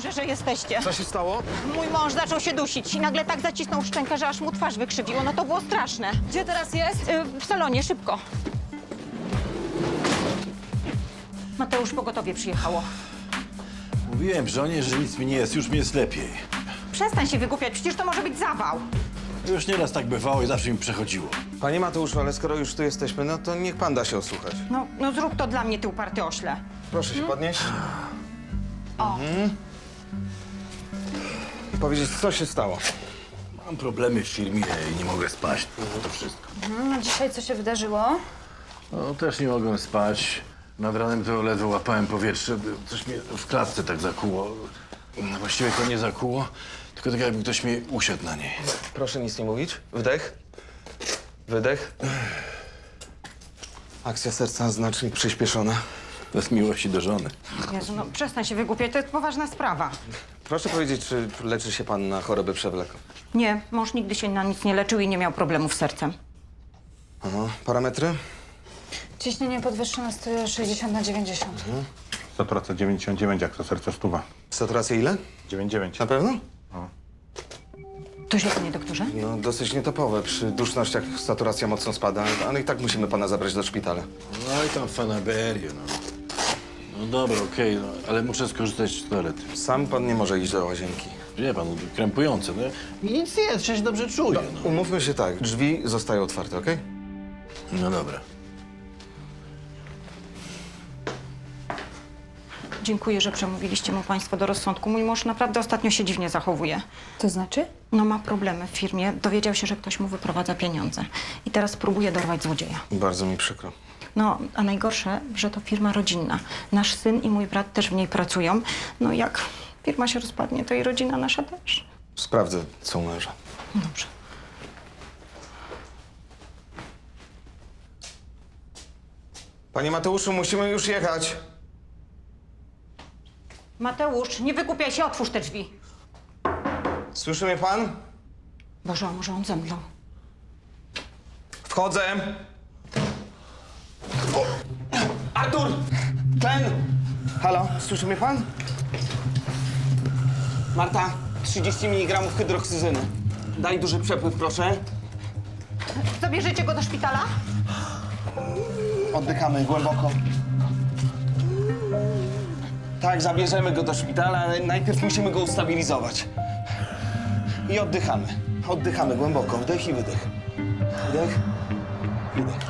dobrze, że jesteście. Co się stało? Mój mąż zaczął się dusić i nagle tak zacisnął szczękę, że aż mu twarz wykrzywiło. No to było straszne. Gdzie teraz jest? W salonie, szybko. Mateusz, pogotowie przyjechało. Mówiłem żonie, że nic mi nie jest, już mi jest lepiej. Przestań się wygłupiać, przecież to może być zawał. Już nieraz tak bywało i zawsze mi przechodziło. Panie Mateuszu, ale skoro już tu jesteśmy, no to niech pan da się osłuchać. No zrób to dla mnie, ty uparty ośle. Proszę się podnieść. O. I powiedzieć, co się stało. Mam problemy w firmie i nie mogę spać. To wszystko. A dzisiaj co się wydarzyło? No, też nie mogłem spać. Nad ranem to ledwo łapałem powietrze. Coś mnie w klatce tak zakuło. No, właściwie to nie zakuło, tylko tak jakby ktoś mi usiadł na niej. Proszę nic nie mówić. Wdech. Wydech. Akcja serca znacznie przyspieszona. Bez miłości do żony. Jezu, no przestań się wygłupiać, to jest poważna sprawa. Proszę powiedzieć, czy leczy się pan na chorobę przewlekłą? Nie, mąż nigdy się na nic nie leczył i nie miał problemów z sercem. Aha. Parametry? Ciśnienie podwyższone 160/90. Saturacja 99, jak to serce stuwa. Saturacja ile? 99. Na pewno? To źle, panie doktorze? No, dosyć nietypowe. Przy dusznościach saturacja mocno spada, ale i tak musimy pana zabrać do szpitala. No i tam fanaberie, no. No dobra, okej, no, ale muszę skorzystać z toalety. Sam pan nie może iść do łazienki. Wie pan, krępujące, no. Mi nic nie jest, ja się dobrze czuję, no. Umówmy się tak, drzwi zostają otwarte, okej? No dobra. Dziękuję, że przemówiliście mu państwo do rozsądku. Mój mąż naprawdę ostatnio się dziwnie zachowuje. To znaczy? No ma problemy w firmie. Dowiedział się, że ktoś mu wyprowadza pieniądze. I teraz próbuje dorwać złodzieja. Bardzo mi przykro. No, a najgorsze, że to firma rodzinna. Nasz syn i mój brat też w niej pracują. No jak firma się rozpadnie, to i rodzina nasza też. Sprawdzę, co u męża. Dobrze. Panie Mateuszu, musimy już jechać. Mateusz, nie wygłupiaj się, otwórz te drzwi. Słyszy mnie pan? Boże, a może on zemdlał? Wchodzę. O! Artur! Ten! Halo, słyszy mnie pan? Marta, 30 mg hydroksyzyny. Daj duży przepływ, proszę. Zabierzecie go do szpitala? Oddychamy głęboko. Tak, zabierzemy go do szpitala, ale najpierw musimy go ustabilizować. I oddychamy. Oddychamy głęboko. Wdech i wydech. Wdech, wydech.